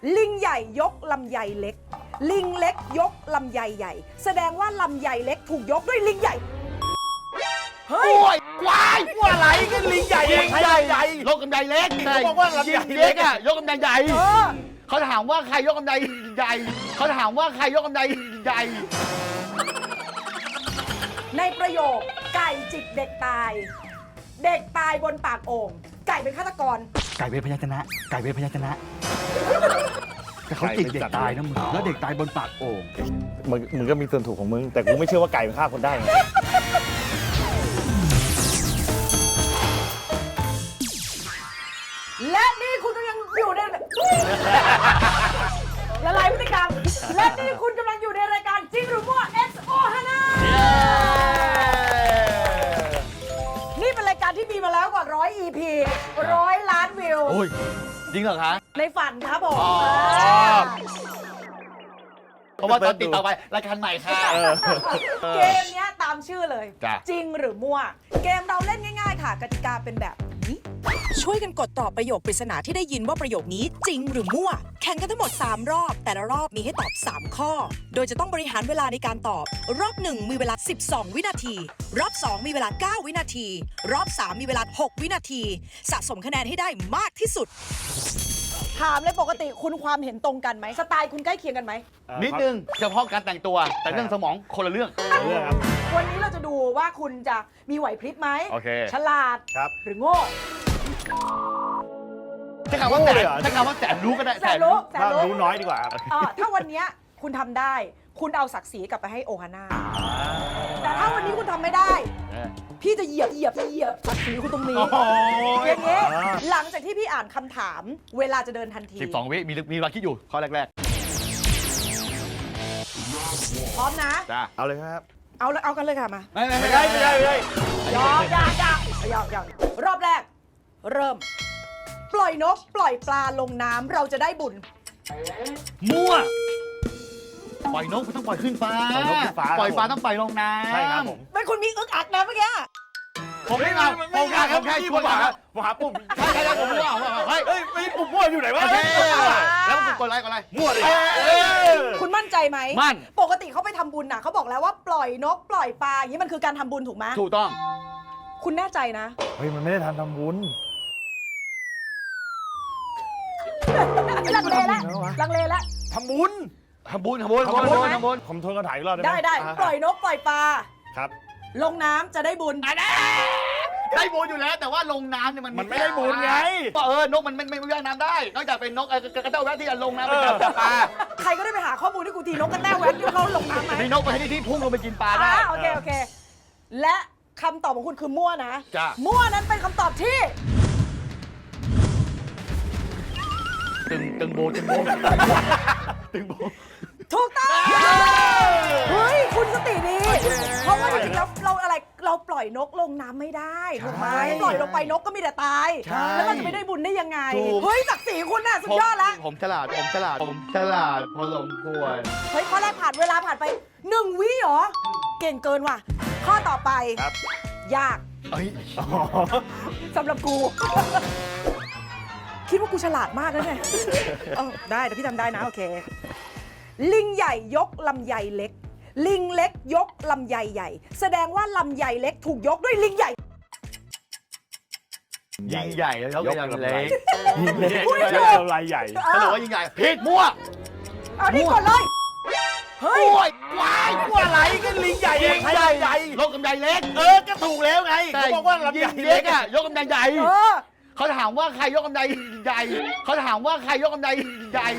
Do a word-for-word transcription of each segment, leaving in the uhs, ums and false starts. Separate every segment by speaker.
Speaker 1: ลิงใหญ่ยกลำไยเล็กลิงเล็กยกลำไยใหญ่แสดงว่าลำไยเล็กถูกยกด้วยลิงใหญ่เฮ้ย
Speaker 2: โอ้ยวายว่าอะไรกันลิงใหญ่ลิงใหญ่ใหญ่ยกกำไยเล็กเขาบอกว่าลำไยเล็กอะยกกำไยใหญ่เขาถามว่าใครยกกำไยใหญ่เขาถามว่าใครยกกำไยใหญ่
Speaker 1: ในประโยคไก่จิกเด็กตายเด็กตายบนปากโอ่งไก่เป็นฆาตกร
Speaker 3: ไก่เป็นพยัญชนะไก่เป็นพยัญชนะแต่เขาจิกเด็กตายนะมึงแล้วเด็กตายบนปากโอ่ง
Speaker 2: มึงมึงก็มีส่วนถูกของมึงแต่กูไม่เชื่อว่าไก่มันฆ่าคนได้
Speaker 1: และนี่คุณกำลังอยู่ในละลายพฤติกรรมและนี่คุณกำลังอยู่ในรายการจริงหรือมั่ว เอ็กซ์ โอ ฮาน่านี่เป็นรายการที่มีมาแล้วกว่าร้อย อี พี ร้อยล้านวิว
Speaker 2: โอ้ยจริงเหรอคะ
Speaker 1: ในฝันครับผม
Speaker 2: เพราะว่าตอนติดต่อไปรายการใหม่ค่ะ
Speaker 1: เกมนี้ตามชื่อเลยจริงหรือมั่วเกมเราเล่นง่ายๆค่ะกติกาเป็นแบบนี้ช่วยกันกดตอบประโยคปริศนาที่ได้ยินว่าประโยคนี้จริงหรือมั่วแข่งกันทั้งหมดสามรอบแต่ละรอบมีให้ตอบสามข้อโดยจะต้องบริหารเวลาในการตอบรอบหนึ่งมีเวลาสิบสองวินาทีรอบสองมีเวลาเก้าวินาทีรอบสามมีเวลาหกวินาทีสะสมคะแนนให้ได้มากที่สุดถามเลยปกติคุณความเห็นตรงกันไหมสไตล์คุณใกล้เคียงกันไหม
Speaker 2: นิดนึงเฉพาะการแต่งตัวแต่เรื่องสมองคนละเรื่อง
Speaker 1: วันนี้เราจะดูว่าคุณจะมีไหวพริบไหมฉลาดหรือโง่
Speaker 2: ใช้คำว่าแต่ใช้คำว่าแต่รู้ก็ได้
Speaker 1: แต่รู้แต่
Speaker 2: รู้น้อยดีกว่า
Speaker 1: ถ้าวันนี้คุณทำได้คุณเอาศักดิ์ศรีกลับไปให้โอฮาน่าแต่ถ้าวันนี้คุณทำไม่ได้พี่จะเหยียบเหยียบเหยียบศักดิ์ศรีคุณตรงนี้อย่างนี้หลังจากที่พี่อ่านคำถามเวลาจะเดินทันที
Speaker 2: สิบสองวิมีมีเวลาคิดอยู่ข้อแรก
Speaker 1: ๆพร้อมนะ
Speaker 2: จ้าเอาเลยครับ
Speaker 1: เอาเอากันเลยค่ะมา
Speaker 2: ไม่ไม่ได้ไม่ได้ไม่ได้
Speaker 1: ยอมยอมยอมยอมยอมรอบแรกเริ่มปล่อยนกปล่อยปลาลงน้ำเราจะได้บุญ
Speaker 2: มั่วปล่อยนกไม่ต้องปล่อยขึ้นฟ้าปล่อยนกขึ้นฟ้าปล่อยปลาต้องปล่อยลงน้ำ
Speaker 1: ใช่ครับผมไม่คุณมีอึกอักนะเมื่อกี้
Speaker 2: ผมไม่มาผมแค่ผมแค่ช่วยหาผมหาปุ่มใช่ใช่ใช่ผมมั่วเฮ้ยเฮ้ยไม่ปุ่มมั่วอยู่ไหนวะแล้วปุ่มกดไลค์กดไลค์มั่วเลย
Speaker 1: คุณมั่นใจไหม
Speaker 2: มั่น
Speaker 1: ปกติเขาไปทำบุญน่ะเขาบอกแล้วว่าปล่อยนกปล่อยปลาอย่างนี้มันคือการทำบุญถูกไหม
Speaker 2: ถูกต้อง
Speaker 1: คุณแน่ใจนะ
Speaker 2: เฮ้ยมันไม่ได้ทำทำบุญ
Speaker 1: ลังเลแล้วลังเลแล้ว
Speaker 2: ทำบุญทำบุญทำบุญทำบุญทำบุญผมทนกันถ่ายอีกรอบ
Speaker 1: ได้ได้ปล่อยนกปล่อยปลา
Speaker 2: ครับ
Speaker 1: ลงน้ำจะได้บุญ
Speaker 2: ได้บุญอยู่แล้วแต่ว่าลงน้ำเนี่ยมันมันไม่ได้บุญไงก็เออนกมันไม่ไม่ว่ายน้ำได้นอกจากเป็นนกกระเต้าแวะที่จะลงน้ำไปจับปลา
Speaker 1: ใครก็ได้ไปหาข้อมูลที่กูทีนกกระเต้าแวะที่เขาลงน้ำไหม
Speaker 2: มีนกไปที่ที่พุ่งลงไปกินปลาได้
Speaker 1: โอเคโอเคและคำตอบของคุณคือมั่วนะ
Speaker 2: จ้ะ
Speaker 1: มั่วนั้นเป็นคำตอบที่
Speaker 2: ตึงตึงโบตึงโบตึงโบ
Speaker 1: ถูกต้องเฮ้ยคุณสติดีเพราะว่าจริงๆแล้วเราอะไรเราปล่อยนกลงน้ำไม่ได้ถูกไหมปล่อยลงไปนกก็มีแต่ตายแล้วมันจะไม่ได้บุญได้ยังไงเฮ้ยศักดิ์ศรีคุณน่ะสุดยอดละ
Speaker 2: ผมฉลาดผมฉลาดผมฉลาดพอสมควร
Speaker 1: เฮ้ยข้อแรกผ่านเวลาผ่านไปหนึ่งวิเหรอเก่งเกินว่ะข้อต่อไปยากสำหรับกูคิดว่ากูฉลาดมากนะเนี่ยได้แต่พี่ทำได้นะโอเคลิงใหญ่ยกลำไยเล็กลิงเล็กยกลำไยใหญ่แสดงว่าลำไยเล็กถูกยกด้วยลิงใหญ่
Speaker 2: ยิงใหญ่แล้วยกลำเล็กยิงเล็ก
Speaker 1: ย
Speaker 2: กลำไยใหญ่สรุปว่ายิงใหญ่ผิดมั่ว
Speaker 1: เอานี่ก่อนเลย
Speaker 2: เฮ้ยว้ายมั่วอะไรกันลิงใหญ่ยิงใหญ่ใหญ่ยกลำไยเล็กเออก็ถูกแล้วไงเขาบอกว่าลำไยเล็กอะยกลำไยใหญ่เขาถามว่าใครยกกำไยใหญ่เขาถามว่าใครยกกำไยใหญ่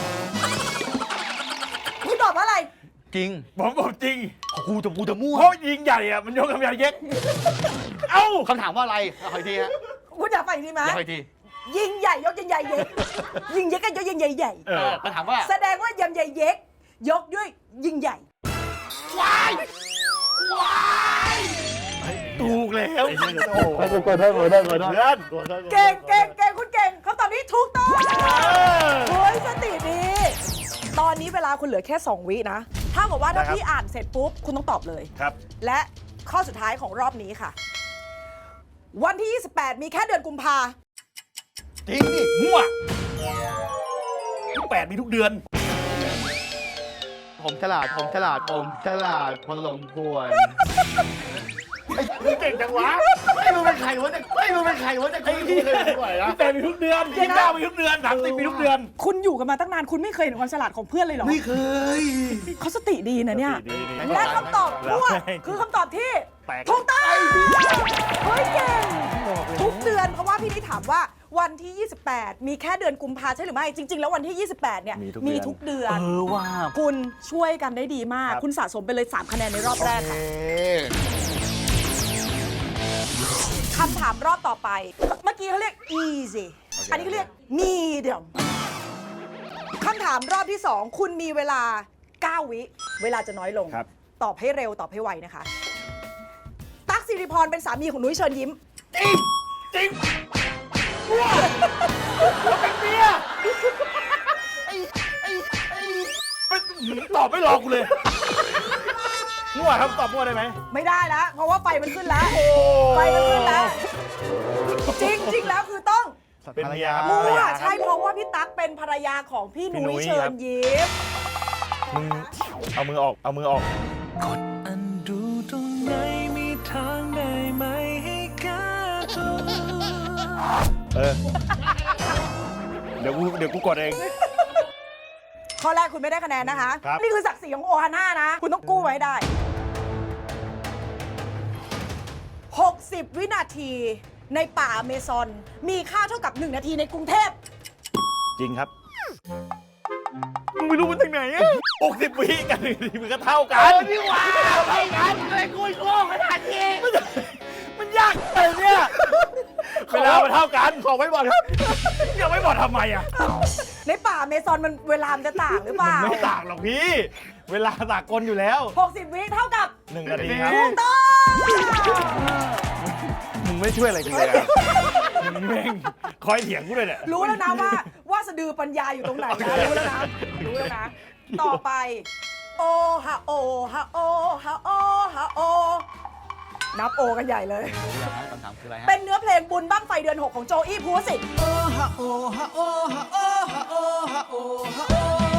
Speaker 1: คุณตอบว่าอะไร
Speaker 2: จริงผมบอกจริงกูจะกูจะมั่วเพราะยิงใหญ่อะมันยกกำไยเล็กเอ้าคำถามว่าอะไรขออีกทีฮะ
Speaker 1: คุณอยากไปอีกทีไหม
Speaker 2: อยากไปอีกที
Speaker 1: ยิงใหญ่ยกยิงใหญ่เย็กยิงเย็กก็ยกยิงใหญ่ใหญ่
Speaker 2: เออคำถามว่า
Speaker 1: แสดงว่ายำใหญ่เย็กยกด้วยยิงใหญ่
Speaker 2: ว้ายว้ายถูกแล้วโอ้โหกดได้กดได้กดได้
Speaker 1: เก่งเก่งเก่งคุณเก่งคำตอบนี้ถูกต้องเฮ้ยสติดีตอนนี้เวลาคุณเหลือแค่สองวินะถ้าบอกว่าถ้าพี่อ่านเสร็จปุ๊บคุณต้องตอบเลย
Speaker 2: ครับ
Speaker 1: และข้อสุดท้ายของรอบนี้ค่ะวันที่ยี่สิบแปดมีแค่เดือนกุมภา
Speaker 2: จริงดิมั่ว
Speaker 4: แปดมีทุกเดือน
Speaker 2: ผมฉลาดผมฉลาดผมฉลาดพอสมควร
Speaker 4: มึงเก่งจังวะ
Speaker 2: ไอ้มึงเป็นใครวะเนี่ยไอ้มึงเป็นใครวะเนี่ยไอ้ที่เลยดีกว่านะ
Speaker 4: แปดมีทุกเดือนยี่สิบเก้ามีทุกเดือนสามสิบมีทุกเดือน
Speaker 1: คุณอยู่กันมาตั้งนานคุณไม่เคยเห็นความฉลาดของเพื่อนเลยเหรอ
Speaker 2: ไม่เคย
Speaker 1: เขาสติดีนะเนี่ย
Speaker 4: ดีดี
Speaker 1: และคำตอบมั่วคือคำตอบที่
Speaker 4: แปลก
Speaker 1: ถูกต้องเฮ้ยเก่งทุกเดือนเพราะว่าพี่นี่ถามว่าวันที่ ยี่สิบแปด มีแค่เดือนกุมภาใช่หรือไม่ จริง ๆ แล้ววันที่ ยี่สิบแปด เนี่ยมีทุกเดือน
Speaker 3: เออว่า
Speaker 1: คุณช่วยกันได้ดีมาก คุณสะสมไปเลย สาม คะแนนในรอบแรกค่ะคำถามรอบต่อไป เมื่อกี้เขาเรียก easy อันนี้เขาเรียก medium คำถามรอบที่ สอง คุณมีเวลา เก้า วิ เวลาจะน้อยลง
Speaker 4: ครับ
Speaker 1: ตอบให้เร็วตอบให้ไวนะคะ ตั๊กสิริพรเป็นสามีของนุ้ยเชิญยิ้ม
Speaker 4: จริงจริงว้าเราเป็นเมียไอ้ไอ้ไอ้ตอบไม่รอกูเลยมั่วครับตอบมั่วได้ไหม
Speaker 1: ไม่ได้แล้ว เพราะว่าไฟมันขึ้นแล้ว ไฟมันขึ้นแล้ว จริงจริงแล้วคือต้อง
Speaker 4: เป็นเมียครับ
Speaker 1: มั่
Speaker 4: ภรร
Speaker 1: วย
Speaker 4: าค
Speaker 1: ใช่
Speaker 4: รับ
Speaker 1: เพราะว่าพี่ตั๊กเป็นภรรยาของพี่
Speaker 4: พี่
Speaker 1: นุ้
Speaker 4: นุ้
Speaker 1: ย
Speaker 4: ย
Speaker 1: เชิ
Speaker 4: ครั
Speaker 1: ญ
Speaker 4: บ
Speaker 1: ยิ้ม
Speaker 4: มึงเอามือออกเอามือออก
Speaker 5: อันดูตรงไหนมีทางได้ไหมให้แก้ตัว
Speaker 4: เออเดี๋ยวกูเดี๋ยวกูกดเอง
Speaker 1: ข้อแรกคุณไม่ได้คะแนนนะคะ
Speaker 4: ครับ
Speaker 1: นี่คือศักดิ์ศรีของโอฮาน่านะ คุณต้องกู้ไว้ให้ได้ หกสิบ วินาทีในป่าอเมซอน มีค่าเท่ากับ หนึ่ง นาทีในกรุงเทพ
Speaker 4: จริงครับมึงไม่รู้มันจากไหนอะหกสิบวิกันหนึ่งทีมันก็เท่ากัน
Speaker 2: พี่ว่าไปกันเลยกูโง่ขนาดนี้
Speaker 4: มันยากเลยเนี่ยเวลามันเท่ากันขอไว้บอดครับอย่าไว้บอดทำไมอ่ะ
Speaker 1: ในป่าอเมซอนมันเวลามันจะต่างหรือเปล่า
Speaker 4: ไม่ต่างหรอกพี่ เวลาสากลอยู่แล้ว
Speaker 1: หกสิบ วิเท่ากับ
Speaker 4: หนึ่งนาทีครับ
Speaker 1: ถูกต้อง
Speaker 4: มึงไม่ช่วยอะไรกูเลยอะมึงแม่งคอยเถียงกูเลยเนี่ย
Speaker 1: รู้แล้วนะว่าว่าสะดือปัญญาอยู่ตรงไหนนะรู้แล้วนะ รู้แล้วนะ ต่อไป โอฮะโอฮะโอฮะโอฮะโอ นับโอกันใหญ่เลย
Speaker 2: คำถามคืออะไรฮะ
Speaker 1: เป็นเนื้อเพลงบุญบั้งไฟเดือน หก ของโจอี้ภูวสิทธิ์
Speaker 5: โอฮะโอฮะโอฮะโอฮะโอฮะโอฮะโอ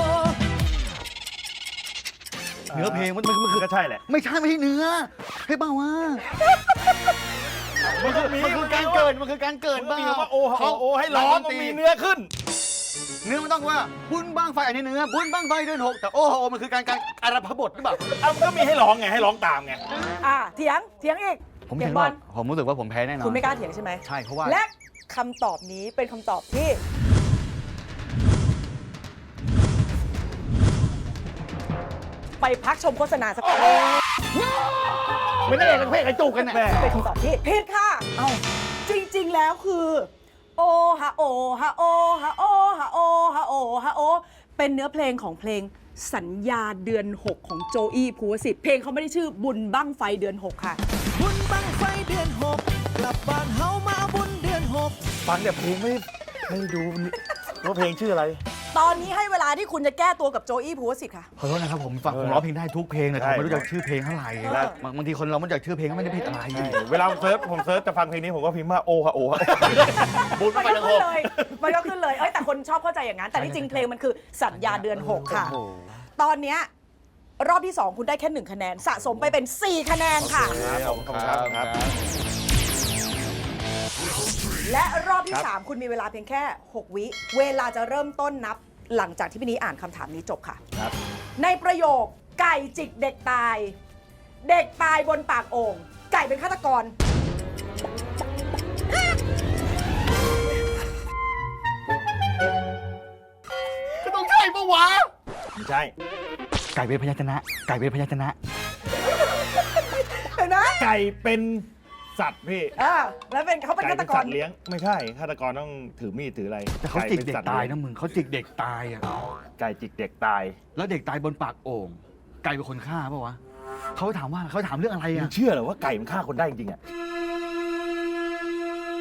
Speaker 2: เนื้อเพลงมันมันมันคือ
Speaker 4: ก็ใช่แหละ
Speaker 2: ไม่ใช่ไม่ใช่เนื้อให้เปล่าวะ
Speaker 4: มันคือ
Speaker 2: มันคือการเกิดมันคือการเกิด
Speaker 4: มัน
Speaker 2: บ้า
Speaker 4: มีคำว่าโอฮะโอโอให้ร้องมันมีเนื้อขึ้น
Speaker 2: เนื้อมันต้องว่าบุญบ้างไฟอันนี้เนื้อบุญบ้างไฟเดือนหกแต่โอ้โหมันคือการการอารัพบทหรือเปล่า
Speaker 4: เอามันก็มีให้ร้องไงให้ร้องตามไง
Speaker 1: อ่ะเถียง เถียงอีก
Speaker 2: ผม
Speaker 1: เถี
Speaker 2: เห็
Speaker 1: ย
Speaker 2: น
Speaker 1: งบ
Speaker 2: ว่า
Speaker 1: อล
Speaker 2: ผมรู้สึกว่าผมแพ้แน่นอน
Speaker 1: คุณไม่กล้าเถียงใช่ไหม
Speaker 2: ใช่เพราะว่า
Speaker 1: และคำตอบนี้เป็นคำตอบที่ ไปพักชมโฆษณาสักครู่
Speaker 2: ไม่ได้เอกเป็นเพศไอ้จูกกันน่ะ
Speaker 4: แม่
Speaker 1: เป็นคำตอบที่ผิดค่ะ เอ้า จริง ๆ แล้วคือ โอฮะโอฮะโอฮะโอฮะโอฮะโอฮะโอ เป็นเนื้อเพลงของเพลงสัญญาเดือน หก ของโจอี้ภูวสิทธิ์เพลงเขาไม่ได้ชื่อบุญบั้งไฟเดือน หก ค่ะ
Speaker 5: บุญบังไฟเดือนหกกลับบ้านเฮามาบุญเดือนหก
Speaker 4: ฟังแต่เพลงไม่ไม่ดูว่าเพลงชื่ออะไร
Speaker 1: ตอนนี้ให้เวลาที่คุณจะแก้ตัวกับโจอี้ภูวสิทธิ์ค่ะ
Speaker 2: ขอโทษนะครับผมฟัง
Speaker 4: เออ
Speaker 2: ผมร้องเพลงได้ทุกเพลงแต่
Speaker 4: ใช่
Speaker 2: ผมไม่รู้จักชื่อเพลงเท่าไหร่
Speaker 1: เออ
Speaker 2: บางบางทีคนเราไม่รู้จักชื่อเพลงก็ไม่ได้ผิดอะไร
Speaker 4: เวลาผมเซิร์ชผมเซิร์ชจะฟังเพลงนี้ผมก็พิมพ์ว่าโอฮะโอฮะ
Speaker 2: บุญ
Speaker 1: มัน
Speaker 2: ไป
Speaker 1: ก็
Speaker 2: ทั้งห
Speaker 1: ขึ้น
Speaker 2: ก
Speaker 1: เลย มันก็ขึ้นเลย เอ้ยแต่คนชอบเข้าใจอย่างนั้น แต่ที่จริงเพลงมันคือสัญญาเดือน หก ค่ะ
Speaker 2: โอ้โห
Speaker 1: ตอนเนี้ยรอบที่ สอง คุณได้แค่หนึ่งคะแนน สะสมไปเป็น สี่ คะแนนค่ะ
Speaker 4: ครับผมครับครับ
Speaker 1: และรอบที่
Speaker 4: ครับ
Speaker 1: สาม คุณมีเวลาเพียงแค่ หก วิ เวลาจะเริ่มต้นนับหลังจากที่พี่นี้อ่านคำถามนี้จบค่ะ
Speaker 4: ครับ
Speaker 1: ในประโยคไก่จิกเด็กตาย เด็กตายบนปากโอ่งไก่เป็นฆาตกร
Speaker 2: ก็ต้องใช่ปะวะ
Speaker 4: ไม่ใช่
Speaker 3: ไก่เป็นพยัญชนะ ไก่เป็นพยัญชนะ
Speaker 1: เห็นไหม
Speaker 4: ไก่เป็นสัตว์พี่
Speaker 1: อ่าแล้วเป็นเขาเป็น
Speaker 4: ไก่
Speaker 1: ฆาต
Speaker 4: เป็น
Speaker 1: ก
Speaker 4: สั
Speaker 1: ร
Speaker 4: ตว์เลี้ยงไม่ใช่ฆาตกรต้องถือมีดถืออะไร
Speaker 3: แต่เขาจิกเด็ก
Speaker 4: ป็สัว์
Speaker 3: ตาย
Speaker 4: ลี้
Speaker 3: นะมึงเขาจิกเด็กตายอ่ะ
Speaker 4: ไก่จิกเด็กตาย
Speaker 3: แล้วเด็กตายบนปากโอ่งไก่เป็นคนฆ่าปะวะเขาถามว่าเขาถามเรื่องอะไร
Speaker 4: มึ
Speaker 3: อ่ะ
Speaker 4: งเชื่อเหรอว่าไก่มันฆ่าคนได้จริงๆอ่ะ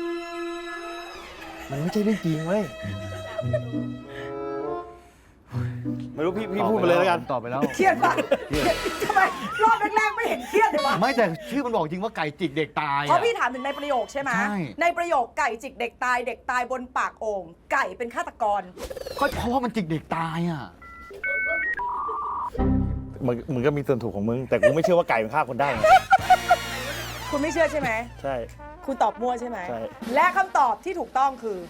Speaker 4: มันไม่ใช่เรื่องจริงเว้ยไม่รู้พี่พี่พูดมาเลยแล้วกัน
Speaker 3: ตอบไปแล้ว
Speaker 1: เครียดปะทำไมรอบแรกๆไม่เห็นเครียดเลยวะ
Speaker 3: ไม่แต่ชื่อมันบอกจริงว่าไก่จิกเด็กตาย
Speaker 1: เพราะ
Speaker 3: อะ
Speaker 1: พี่ถามถึงในประโยคใช่ไหม
Speaker 3: ใช่
Speaker 1: ในประโยคไก่จิกเด็กตายเด็กตายบนปากโอ่งไก่เป็นฆาตกร
Speaker 3: ก็เพราะว่ามันจิกเด็กตายอ่ะ
Speaker 4: มึงมึงก็มีส่วนถูกของมึง แต่กูไม่เชื่อว่าไก่มันฆ่าคนได้ไง
Speaker 1: คุณไม่เชื่อใช่ไหม
Speaker 4: ใช่
Speaker 1: คุณตอบมั่วใช่ไหม
Speaker 4: ใช่
Speaker 1: และคำตอบที่ถูกต้องคือ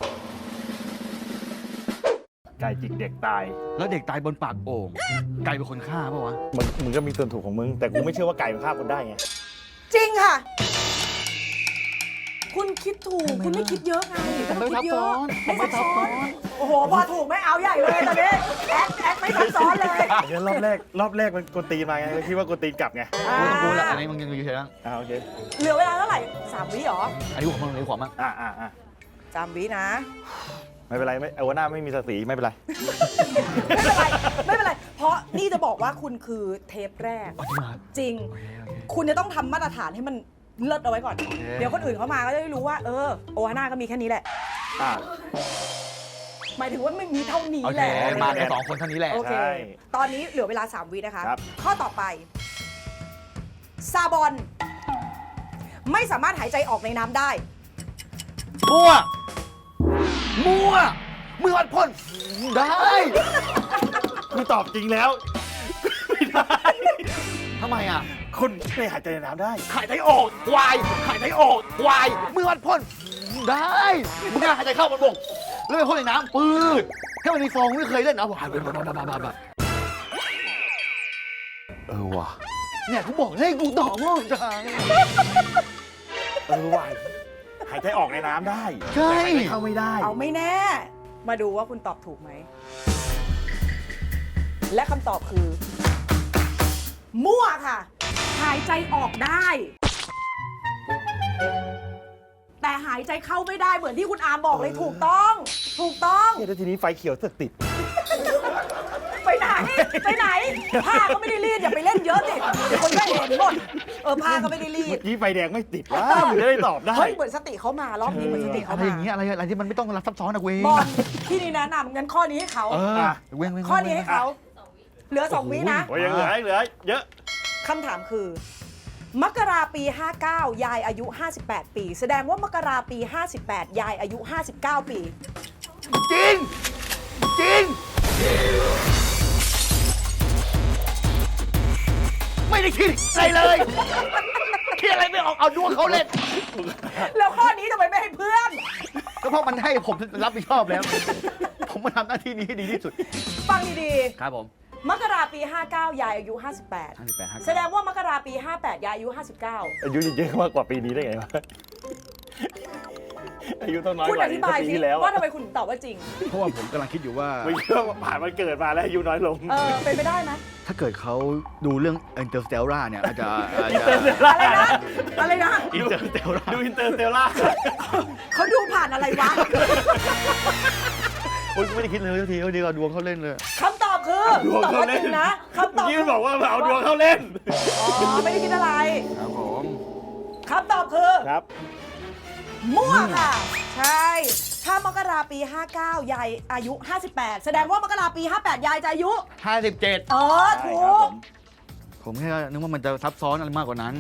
Speaker 4: ไก่จิกเด็กตาย
Speaker 3: แล้วเด็กตายบนปากโอ่งไก่เป็นคนฆ่าเปล่าวะ
Speaker 4: มึงมึงก็มีส่วนถูกของมึง แต่กูไม่เชื่อว่าไก่มันฆ่าคนได้ไง
Speaker 1: จริงค่ะ คุณคิดถูก คุณไม่คิดเยอะไง
Speaker 3: ผมไม่ซับซ้อน
Speaker 1: ไม่ซับซ้อน โอ้โห พอถูกไม่เอาใหญ่เลยตอนนี้แอคแอคไม่ซับซ้อนเลย
Speaker 4: เดี๋ยวรอบแรกรอบแรกมันกวนตีนมาไงเลยคิดว่ากวนตีนกลับไง
Speaker 1: อ่า
Speaker 3: กูต้องรู้แหละอันนี้มึงยังอยู่เฉยๆนะ
Speaker 4: อ่าโอเค
Speaker 1: เหลือเวลาเท่าไหร่สามวิเหรอ
Speaker 3: อันนี้ผมมึงอันนี้ขวามั้ง
Speaker 4: อ่าอ่าอ่า
Speaker 1: สามวินะ
Speaker 4: ไม่เป็นไรไม่เอาหน้าไม่มีศักดิ์ศรีไม่เป็นไร
Speaker 1: ไม่เป็นไร ไม่เป็นไร เพราะนี่จะบอกว่าคุณคือเทปแรก
Speaker 3: อ๋อจริงเหรอ
Speaker 1: จริง
Speaker 3: โอเคโอเค
Speaker 1: คุณจะต้องทำมาตรฐานให้มันเลิศเอาไว้ก่อน
Speaker 3: โอเค
Speaker 1: เดี๋ยวคนอื่นเขามาก็จะได้รู้ว่า เออ โอฮาน่าก็มีแค่นี้แหละ
Speaker 4: อ่า
Speaker 1: หมายถึงว่าไม่มีเท่านี้
Speaker 3: โอ
Speaker 1: แห
Speaker 3: เค
Speaker 1: ละ
Speaker 3: มากันสองคนเท่านี้แหละ
Speaker 1: โอเค
Speaker 4: ใช่
Speaker 1: ตอนนี้เหลือเวลา สาม วินะคะ
Speaker 4: ครับ
Speaker 1: ข้อต่อไป ซาบอน ไม่สามารถหายใจออกในน้ำได้
Speaker 3: มั่ว มั่วมือวัดพ่นได้
Speaker 4: กูตอบจริงแล้ว ไม่ได้
Speaker 3: ทำไมอ่ะ
Speaker 4: คุณไม่หายใจในน้ำได้
Speaker 3: หายใจออกควายหายใจออกควายมือวัดพ่นได้มึงน่าหายใจเข้ามันบกแล้วไปพ่นในน้ำปืดแค่มันมีฟองไม่เคยเล่นเอาหวานแบบ
Speaker 4: เออว่ะ
Speaker 3: เนี่ยกูบอกให้กูตอบว่าจัง
Speaker 4: เออว่ะหายใจออกในน้ำได้
Speaker 3: ใช่
Speaker 4: แต่หายใจเข้าไม่ได้
Speaker 1: เอาไม่แน่ มาดูว่าคุณตอบถูกไหม และคำตอบคือ มั่วค่ะ หายใจออกได้ แต่หายใจเข้าไม่ได้เหมือนที่คุณอาร์มบอกเลยถูกต้อง ถูกต้อง
Speaker 4: เนี่ยแล้วทีนี้ไฟเขียวเสือกติด
Speaker 1: ไปไหน ไปไหน ผ้าก็ไม่ได้รีดอย่าไปเล่นเยอะสิเดี๋ยวคนก็เห็นหมด เออผ้าก็ไม่ได้รี
Speaker 4: เมื่
Speaker 1: ด
Speaker 4: อกี้ไฟแดงไม่ติดว้ามึงจะได้ตอบได้
Speaker 1: เฮ้ยเหมือนสติเขามารอบนี้เหมือนสติ
Speaker 3: อะ
Speaker 1: เขา
Speaker 3: ไร
Speaker 1: มา
Speaker 3: อย่างเงี้ยอะไรอะไรที่มันไม่ต้องรับซับซ้อนนะเว้ย
Speaker 1: บอลพี่นี่แนะนำงั้นข้อนี้ให้เขา
Speaker 3: เออ
Speaker 4: อ่ะ
Speaker 3: เว้งเว้ง
Speaker 1: ข้อนี้ให้เขา เหลือสองวินะ
Speaker 4: โอ้ยยังเหลือเหลือเยอะ
Speaker 1: คำถามคือ มกราปี ห้าเก้า ยายอายุ ห้าสิบแปด ปี แสดงว่ามกราปี ห้าสิบแปด ยายอายุ ห้าสิบเก้า ปี
Speaker 3: จริง จริง ไม่ได้คิดอะไรเลยคิดอะไรไม่ออกเอาดวงเขาเล่น
Speaker 1: แล้วข้อนี้ทำไมไม่ให้เพื่อน
Speaker 3: ก็เพราะมันให้ผมรับผิดชอบแล้ว ผมมาทำหน้าที่นี้ให้ดีที่สุด
Speaker 1: ฟังดี
Speaker 3: ครับผม
Speaker 1: ๆ มกราปี ห้าเก้า ยายอายุ ห้าสิบแปด
Speaker 3: ห้าสิบแปด
Speaker 1: แสดงว่ามกราปี ห้าแปด ยายอายุ ห้าสิบเก้า
Speaker 4: อายุเยอะมากกว่าปีนี้ได้ไงวะ อายุต้องน้อย
Speaker 1: คุณ
Speaker 4: กว่า
Speaker 1: อธิบาย
Speaker 4: ปี
Speaker 1: สิ
Speaker 4: ที่แล้ว
Speaker 1: ว่า
Speaker 4: อะ
Speaker 1: ทำไมคุณตอบว่าจริง
Speaker 3: เพราะว่าผมกำลังคิดอยู่ว่า
Speaker 4: ไม่เชื่อว่าผ่านวันเกิดมาแล้วอายุน้อยลง
Speaker 1: เออ เป็นไปได้ไหม
Speaker 3: ถ้าเกิดเขาดูเรื่อง Interstellar เนี่ยอาจจะอาจ
Speaker 4: อิน
Speaker 3: จะ
Speaker 4: เตอร์เซลล่า
Speaker 1: อะไรนะ อะไรนะ
Speaker 3: Interstellar
Speaker 4: ดูอินเตอร์เซลล่า
Speaker 1: เขาดูผ่านอะไรวะ
Speaker 3: โอ๊ยกูไม่ได้คิดเลยทีเขาดีกว่าดวงเขาเล่นเลย
Speaker 1: คำตอบคือ
Speaker 4: ดวง
Speaker 1: ตอบ
Speaker 4: เขา
Speaker 1: ว่าจ
Speaker 4: เล่
Speaker 1: ริ
Speaker 4: น
Speaker 1: งนะคำตอบ
Speaker 4: เมื่อกี้มันบอกว่าเอาดวงเข้าเล่น
Speaker 1: อ๋อ ไม่ได้คิดอะไร
Speaker 3: ครับผม
Speaker 1: คำตอบคือ
Speaker 4: ครับ
Speaker 1: มั่วค่ะ ใช่ ถ้ามกราปี ห้าเก้า ยายอายุ ห้าสิบแปด แสดงว่ามกราปี ห้าแปด ยายจะอายุ
Speaker 3: ห้าสิบเจ็ด
Speaker 1: เออ
Speaker 4: ใช่
Speaker 1: ถู
Speaker 4: ครับผ
Speaker 1: ก
Speaker 4: ม
Speaker 3: ผมแค่นึกว่ามันจะซับซ้อนอะไรมากกว่านั้น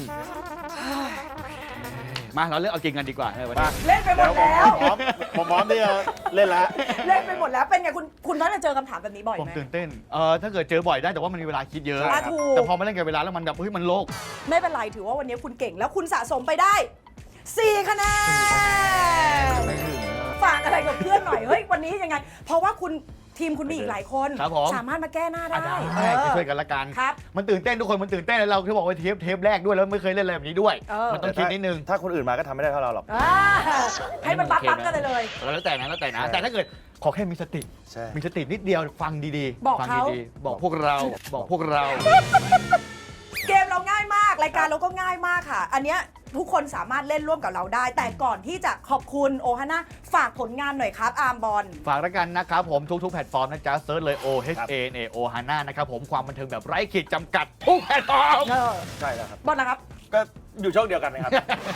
Speaker 3: มาเราเลือกเอาจริงกันดีกว่าในวัน
Speaker 4: มา
Speaker 3: นี้
Speaker 1: เล่นไปหมดแล้ว
Speaker 4: พร้อมผมพร้อมที่จะเล่นแล้ว
Speaker 1: เล่นไปหมดแล้ว เป็นไงคุณ คุณน่าจะเจอคำถามแบบนี้บ่อย
Speaker 3: ผม
Speaker 1: ไหม
Speaker 3: ตื่นเต้น เออถ้าเกิดเจอบ่อยได้แต่ว่ามันมีเวลาคิดเยอะ
Speaker 1: อ่ะถูก
Speaker 3: แต่พอมาเล่นกับเวลาแล้วมันแบบเฮ้ยมันโลก
Speaker 1: ไม่เป็นไร ถือว่าวันนี้คุณเก่งแล้วคุณสะสมไปได้ สี่คะแนน
Speaker 3: ไม่ถึง
Speaker 1: ฝากอะไรกับเพื่อนหน่อย เฮ้ย วันนี้ยังไง เพราะว่าคุณทีมคุณมีอีกหลายคน
Speaker 3: ครับผม
Speaker 1: สามารถมาแก้หน้า
Speaker 3: อ่ะ
Speaker 1: ได้
Speaker 3: ได้
Speaker 1: เออ
Speaker 3: ช่วยกันละกัน
Speaker 1: ครับ
Speaker 3: มันตื่นเต้นทุกคนมันตื่นเต้นแล้วเราที่บอกว่าเทปเทปแรกด้วยแล้วไม่เคยเล่นอะไรแบบนี้ด้วย
Speaker 1: เออ
Speaker 3: มันต้องคิดนิดนึง
Speaker 4: ถ้าคนอื่นมาก็ทำไม่ได้เท่าเราหรอก
Speaker 1: อ่าให้มันปั๊บๆกันเลยเลย
Speaker 3: แล้วแต่นะแล้วแต่นะ
Speaker 4: ใช่
Speaker 3: แต่ถ้าเกิดขอแค่มีสติ
Speaker 4: ใช่
Speaker 3: มีสตินิดเดียวฟังดีๆ
Speaker 1: บอก
Speaker 3: ฟัง
Speaker 1: เขา
Speaker 3: ดีๆบอกพวกเราบอกพวกเรา
Speaker 1: เกมเราง่ายมาก รายการเราก็ง่ายมากค่ะ อันเนี้ยทุกคนสามารถเล่นร่วมกับเราได้ แต่ก่อนที่จะขอบคุณโอฮาน่าฝากผลงานหน่อยครับ อาร์มบอล
Speaker 3: ฝากแล้วกันนะครับผมทุกๆแพลตฟอร์มนะจ๊ะเซิร์ชเลย O H A N A O Hana นะครับผมความบันเทิงแบบไร้ขีดจำกัดทุกแพลตฟอร์ม
Speaker 1: เออ
Speaker 4: ใช่แล้วครับ
Speaker 1: บอลนะครับ
Speaker 4: ก็อยู่ช่องเดียวกันนะครับ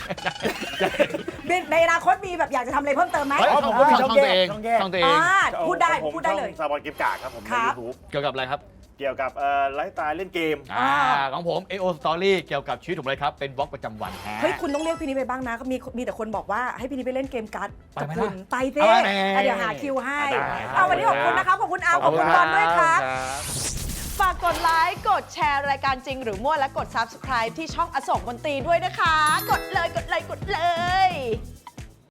Speaker 1: ในอนาคตมีแบบอยากจะทำอะไรเพิ่มเติมไหม
Speaker 2: เฮ้ย
Speaker 4: อ๋อผมก็มีช่องแยก
Speaker 2: ช่
Speaker 4: ช่
Speaker 2: อ
Speaker 4: อง ง
Speaker 2: แย
Speaker 4: แย
Speaker 2: ก
Speaker 4: ก
Speaker 2: ช่องตัวเอง
Speaker 1: อ่าพูดได้
Speaker 4: ผม
Speaker 1: พูดได้เลย
Speaker 4: ช่องซาบอนเกมกากครับผมใน
Speaker 1: ครับ
Speaker 4: ยูทูบ
Speaker 2: เกี่ยวกับอะไรครับ
Speaker 4: เกี่ยวกับเอ่อไลฟ์สไตล์เล่นเกม
Speaker 2: อ่าของผม เอ โอ Story เกี่ยวกับชีวิตผมเลยครับ เป็นบล็อกประจำวันฮะ
Speaker 1: เฮ้ยคุณต้องเรียกพี่นี้ไปบ้างนะมีมีแต่คนบอกว่าให้พี่นี้ไปเล่นเกมการ์ด
Speaker 2: ไป
Speaker 1: กับ
Speaker 2: ไหม
Speaker 1: คุณ
Speaker 2: ล่ะ
Speaker 1: ไปเซ่
Speaker 2: เอาแน่
Speaker 1: อ่ะเดี๋ยวหาคิวให้
Speaker 4: ได้ครับ
Speaker 1: เอาวันนี้ขอบคุณนะครับขอบคุณอาร์มขอบคุณบอลด้วยครับ ฝากกดไลค์ กดแชร์รายการจริงหรือมั่วและกด ซับสไครบ์ ที่ช่องอโศกมนตรีด้วยนะคะ กดเลย กดเลย กดเลย